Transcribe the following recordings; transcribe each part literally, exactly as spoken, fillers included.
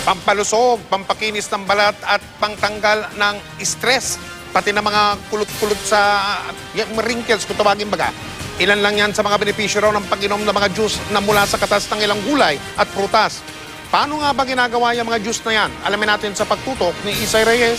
pampalusog, pampakinis ng balat at pangtanggal ng stress. Pati na mga kulot-kulot sa yung wrinkles, kung tawagin baga. Ilan lang yan sa mga benepisyo raw ng pag-inom ng mga juice na mula sa katas ng ilang gulay at prutas. Paano nga ba ginagawa yung mga juice na yan? Alamin natin sa pagtutok ni Isay Reyes.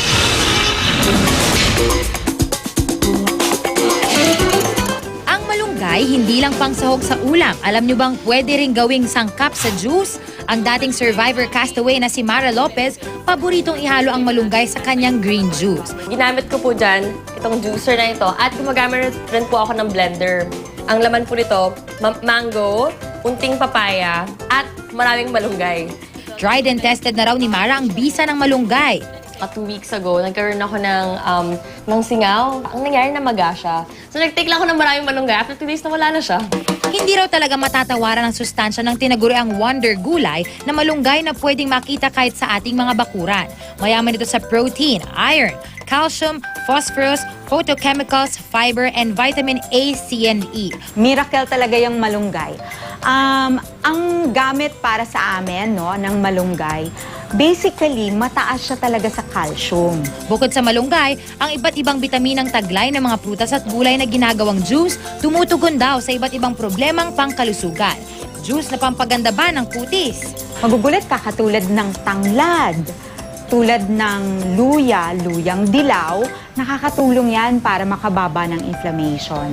Ang malunggay, hindi lang pangsahog sa ulam. Alam nyo bang pwede ring gawing sangkap sa juice? Ang dating survivor castaway na si Mara Lopez, paboritong ihalo ang malunggay sa kanyang green juice. Ginamit ko po dyan itong juicer na ito at gumagamit rin po ako ng blender. Ang laman po nito, ma mango, unting papaya at maraming malunggay. Tried and tested na raw ni Mara ang bisa ng malunggay. At two weeks ago, nagkaroon ako ng, um, ng singaw. Ang nangyari na maga siya. So nag-take lang ako ng maraming malunggay. After two days, nawala na siya. Hindi raw talaga matatawaran ang sustansya ng tinaguriang wonder gulay na malunggay na pwedeng makita kahit sa ating mga bakuran. Mayaman ito sa protein, iron, calcium, phosphorus, photochemicals, fiber, and vitamin A, C, and E. Miracle talaga yung malunggay. Um, ang gamit para sa amin no, ng malunggay, basically, mataas siya talaga sa calcium. Bukod sa malunggay, ang iba't ibang bitaminang taglay ng mga prutas at gulay na ginagawang juice tumutugon daw sa iba't ibang problemang pangkalusugan. Juice na pampaganda ba ng kutis? Magugulat ka katulad ng tanglad, tulad ng luya, luyang dilaw, nakakatulong yan para makababa ng inflammation.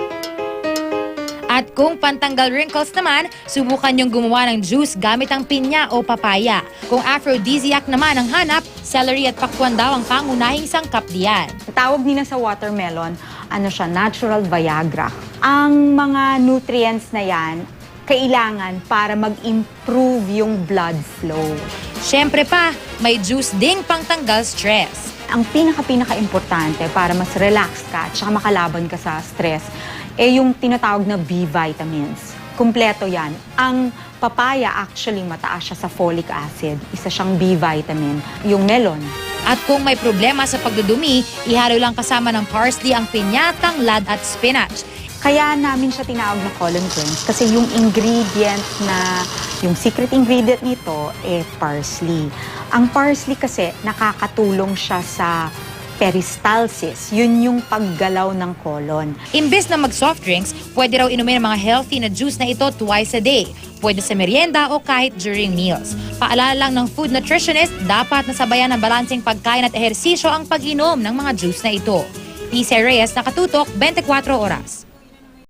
At kung pantanggal wrinkles naman, subukan yung gumawa ng juice gamit ang pinya o papaya. Kung aphrodisiac naman ang hanap, celery at pakwan daw ang pangunahing sangkap diyan. Tawag nila sa watermelon, ano siya, natural Viagra. Ang mga nutrients na yan, kailangan para mag-improve yung blood flow. Siyempre pa, may juice ding pangtanggal stress. Ang pinaka-pinaka-importante para mas relax ka at saka makalaban ka sa stress, eh yung tinatawag na B vitamins. Kumpleto yan. Ang papaya actually mataas siya sa folic acid. Isa siyang B vitamin. Yung melon. At kung may problema sa pagdudumi, ihalo lang kasama ng parsley ang pinya, tanglad at spinach. Kaya namin siya tinawag na colon cleanse kasi yung ingredient na, yung secret ingredient nito, eh parsley. Ang parsley kasi nakakatulong siya sa peristalsis. Yun yung paggalaw ng colon. Imbes na mag-soft drinks, pwede raw inumin ang mga healthy na juice na ito twice a day. Pwede sa merienda o kahit during meals. Paalala lang ng food nutritionist, dapat nasabayan ng balanseng pagkain at ehersisyo ang pag-inom ng mga juice na ito. Isay Reyes, Nakatutok, twenty-four oras.